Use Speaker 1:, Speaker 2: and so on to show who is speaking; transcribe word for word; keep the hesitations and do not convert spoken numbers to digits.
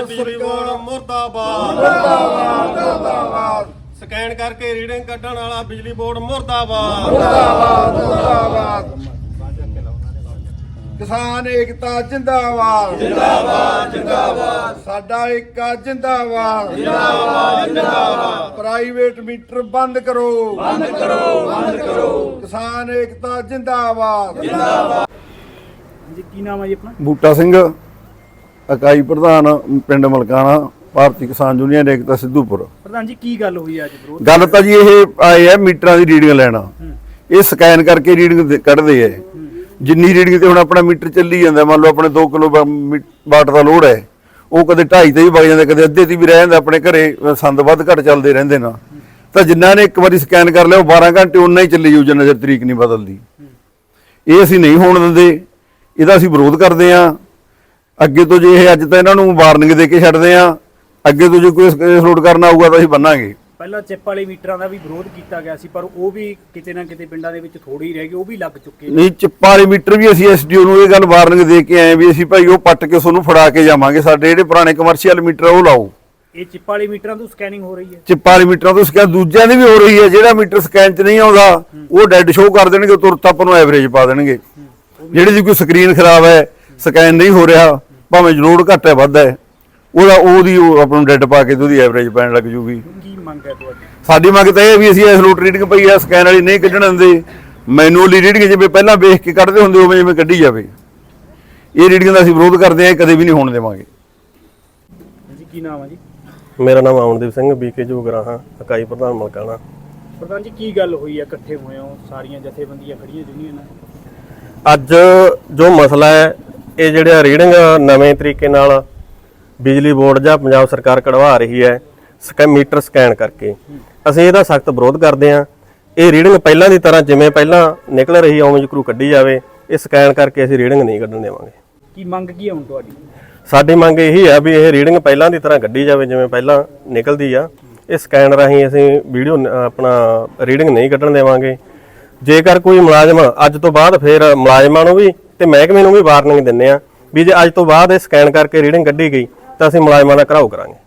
Speaker 1: बिजली बोर्ड मुर्दाबाद
Speaker 2: मुर्दाबाद
Speaker 1: स्कैन करके रीडिंग कढ़ण वाला बिजली बोर्ड मुर्दाबाद
Speaker 2: मुर्दाबाद मुर्दाबाद किसान एकता जिंदाबाद जिंदाबाद जिंदाबाद साडा एकता जिंदाबाद जिंदाबाद जिंदाबाद प्राइवेट मीटर बंद करो बंद करो बंद करो किसान एकता जिंदाबाद जिंदाबाद
Speaker 3: जी की नाम है जी अपना
Speaker 4: बूटा सिंह इकाई प्रधान पिंड मलकाना ਭਾਰਤੀ ਕਿਸਾਨ ਯੂਨੀਅਨ ਏਕਤਾ ਸਿੱਧੂਪੁਰ।
Speaker 3: ਪ੍ਰਧਾਨ ਜੀ ਕੀ ਗੱਲ ਹੋਈ ਅੱਜ ਵਿਰੋਧ?
Speaker 4: ਗੱਲ ਤਾਂ ਜੀ ਇਹ ਆਏ ਆ ਮੀਟਰਾਂ ਦੀ ਰੀਡਿੰਗ ਲੈਣਾ, ਇਹ ਸਕੈਨ ਕਰਕੇ ਰੀਡਿੰਗ ਕੱਢਦੇ ਆ। ਜਿੰਨੀ ਰੀਡਿੰਗ ਤੇ ਹੁਣ ਆਪਣਾ ਮੀਟਰ ਚੱਲੀ ਜਾਂਦਾ, ਮੰਨ ਲਓ ਆਪਣੇ ਦੋ ਕਿਲੋ ਵਾਟ ਦਾ ਲੋਡ ਹੈ, ਉਹ ਕਦੇ ਢਾਈ ਤੇ ਵੀ ਵਗ ਜਾਂਦਾ, ਕਦੇ ਅੱਧੇ ਤੇ ਵੀ ਰਹਿ ਜਾਂਦਾ। ਆਪਣੇ ਘਰੇ ਸੰਦ ਵੱਧ ਘੱਟ ਚੱਲਦੇ ਰਹਿੰਦੇ ਨਾ, ਤਾਂ ਜਿਨ੍ਹਾਂ ਨੇ ਇੱਕ ਵਾਰੀ ਸਕੈਨ ਕਰ ਲਿਆ ਉਹ ਬਾਰਾਂ ਘੰਟੇ ਉਨਾ ਹੀ ਚੱਲੀ ਜਾਊ ਜਿੰਨਾ ਚਿਰ ਤਰੀਕ ਨਹੀਂ ਬਦਲਦੀ। ਇਹ ਅਸੀਂ ਨਹੀਂ ਹੋਣ ਦਿੰਦੇ, ਇਹਦਾ ਅਸੀਂ ਵਿਰੋਧ ਕਰਦੇ ਹਾਂ। ਅੱਗੇ ਤੋਂ ਜੇ ਇਹ ਅੱਜ ਤਾਂ ਇਹਨਾਂ ਨੂੰ ਵਾਰਨਿੰਗ ਦੇ ਕੇ ਛੱਡਦੇ ਹਾਂ, ਅੱਗੇ ਤੋਂ ਜੇ ਕੋਈ ਲੋਡ ਕਰਨਾ ਆਊਗਾ ਤਾਂ ਅਸੀਂ ਬੰਨਾਂਗੇ।
Speaker 3: ਪਹਿਲਾਂ ਚਿੱਪ ਵਾਲੇ ਮੀਟਰਾਂ ਦਾ ਵੀ ਵਿਰੋਧ ਕੀਤਾ ਗਿਆ ਸੀ, ਪਰ ਉਹ ਵੀ ਕਿਤੇ ਨਾ ਕਿਤੇ ਪਿੰਡਾਂ ਦੇ ਵਿੱਚ ਥੋੜੀ ਰਹਿ ਗਈ, ਉਹ ਵੀ ਲੱਗ ਚੁੱਕੇ
Speaker 4: ਨਹੀਂ। ਚਿੱਪਾਂ ਵਾਲੇ ਮੀਟਰ ਵੀ ਅਸੀਂ ਐਸਡੀਓ ਨੂੰ ਇਹ ਗੱਲ ਵਾਰਨਿੰਗ ਦੇ ਕੇ ਆਏ ਵੀ ਅਸੀਂ ਭਾਈ ਉਹ ਪੱਟ ਕੇ ਤੁਹਾਨੂੰ ਫੜਾ ਕੇ ਜਾਵਾਂਗੇ, ਸਾਡੇ ਜਿਹੜੇ ਪੁਰਾਣੇ ਕਮਰਸ਼ੀਅਲ ਮੀਟਰ ਉਹ ਲਾਓ।
Speaker 3: ਇਹ ਚਿੱਪ ਵਾਲੇ ਮੀਟਰਾਂ ਤੋਂ ਸਕੈਨਿੰਗ ਹੋ ਰਹੀ ਹੈ,
Speaker 4: ਚਿੱਪਾਂ ਵਾਲੇ ਮੀਟਰਾਂ ਤੋਂ ਸਕੈਨ ਦੂਜਿਆਂ ਦੀ ਵੀ ਹੋ ਰਹੀ ਹੈ। ਜਿਹੜਾ ਮੀਟਰ ਸਕੈਨ 'ਚ ਨਹੀਂ ਆਉਂਦਾ ਉਹ ਡੈਡ ਸ਼ੋਅ ਕਰ ਦੇਣਗੇ, ਤੁਰਤ ਆਪਾਂ ਨੂੰ ਐਵਰੇਜ ਪਾ ਦੇਣਗੇ। ਜਿਹੜੀ ਦੀ ਕੋਈ ਸਕਰੀਨ ਖਰਾਬ ਹੈ, ਸਕੈਨ ਨਹੀਂ ਹੋ ਰਿਹਾ, ਭਾਵੇਂ ਲੋਡ ਘੱਟ ਹੈ ਵੱਧ ਹੈ, ਉਹਦਾ ਉਹਦੀ ਉਹ ਆਪਾਂ ਨੂੰ ਡੈਡ ਪਾ ਕੇ ਤੇ ਉਹਦੀ ਐਵਰੇਜ ਪੈਣ ਲੱਗ ਜੂਗੀ।
Speaker 3: ਕੀ ਮੰਗ ਹੈ ਤੁਹਾਡੀ?
Speaker 4: ਸਾਡੀ ਮੰਗ ਤਾਂ ਇਹ ਵੀ ਅਸੀਂ ਇਸ ਲੋਟ ਰੀਡਿੰਗ ਪਈ ਆ ਸਕੈਨ ਵਾਲੀ ਨਹੀਂ ਕੱਢਣ ਦਿੰਦੇ, ਮੈਨੂਅਲੀ ਰੀਡਿੰਗ ਜਿਵੇਂ ਪਹਿਲਾਂ ਵੇਖ ਕੇ ਕੱਢਦੇ ਹੁੰਦੇ ਉਵੇਂ ਜਿਵੇਂ ਕੱਢੀ ਜਾਵੇ। ਇਹ ਰੀਡਿੰਗ ਦਾ ਅਸੀਂ ਵਿਰੋਧ ਕਰਦੇ ਹਾਂ, ਕਦੇ ਵੀ ਨਹੀਂ ਹੋਣ ਦੇਵਾਂਗੇ।
Speaker 3: ਜੀ ਕੀ ਨਾਮ ਹੈ ਜੀ?
Speaker 5: ਮੇਰਾ ਨਾਮ ਅਮਨਦੀਪ ਸਿੰਘ ਬੀਕੇ ਜੋਗਰਾਹਾਂ ਇਕਾਈ ਪ੍ਰਧਾਨ ਮਲਕਾਣਾ।
Speaker 3: ਪ੍ਰਧਾਨ ਜੀ ਕੀ ਗੱਲ ਹੋਈ ਹੈ, ਇਕੱਠੇ ਹੋਏ ਹੋ ਸਾਰੀਆਂ ਜਥੇਬੰਦੀਆਂ ਖੜੀਆਂ ਯੂਨੀਅਨਾਂ?
Speaker 5: ਅੱਜ ਜੋ ਮਸਲਾ ਹੈ, ਇਹ ਜਿਹੜਾ ਰੀਡਿੰਗ ਨਵੇਂ ਤਰੀਕੇ ਨਾਲ ਬਿਜਲੀ ਬੋਰਡ ਜਾਂ ਪੰਜਾਬ ਸਰਕਾਰ ਕਢਵਾ ਰਹੀ ਹੈ ਸਕੈ ਮੀਟਰ ਸਕੈਨ ਕਰਕੇ, ਅਸੀਂ ਇਹਦਾ ਸਖਤ ਵਿਰੋਧ ਕਰਦੇ ਹਾਂ। ਇਹ ਰੀਡਿੰਗ ਪਹਿਲਾਂ ਦੀ ਤਰ੍ਹਾਂ ਜਿਵੇਂ ਪਹਿਲਾਂ ਨਿਕਲ ਰਹੀ ਉਵੇਂ ਜਕਰੂ ਕੱਢੀ ਜਾਵੇ, ਇਹ ਸਕੈਨ ਕਰਕੇ ਅਸੀਂ ਰੀਡਿੰਗ ਨਹੀਂ ਕੱਢਣ ਦੇਵਾਂਗੇ।
Speaker 3: ਕੀ ਮੰਗ ਕੀ ਹੈ ਹੁਣ ਤੁਹਾਡੀ?
Speaker 5: ਸਾਡੀ ਮੰਗ ਇਹੀ ਹੈ ਵੀ ਇਹ ਰੀਡਿੰਗ ਪਹਿਲਾਂ ਦੀ ਤਰ੍ਹਾਂ ਕੱਢੀ ਜਾਵੇ ਜਿਵੇਂ ਪਹਿਲਾਂ ਨਿਕਲਦੀ ਆ। ਇਹ ਸਕੈਨ ਰਾਹੀਂ ਅਸੀਂ ਵੀਡੀਓ ਆਪਣਾ ਰੀਡਿੰਗ ਨਹੀਂ ਕੱਢਣ ਦੇਵਾਂਗੇ। ਜੇਕਰ ਕੋਈ ਮੁਲਾਜ਼ਮ ਅੱਜ ਤੋਂ ਬਾਅਦ ਫਿਰ ਮੁਲਾਜ਼ਮਾਂ ਨੂੰ ਵੀ ਤੇ ਮਹਿਕਮੇ ਨੂੰ ਵੀ ਵਾਰਨਿੰਗ ਦਿੰਦੇ ਆ ਵੀ ਜੇ ਅੱਜ ਤੋਂ ਬਾਅਦ ਇਹ ਸਕੈਨ ਕਰਕੇ ਰੀਡਿੰਗ ਕੱਢੀ ਗਈ ਤਾਂ ਅਸੀਂ ਮੁਲਾਜ਼ਮਾਂ ਦਾ ਘਿਰਾਓ ਕਰਾਂਗੇ।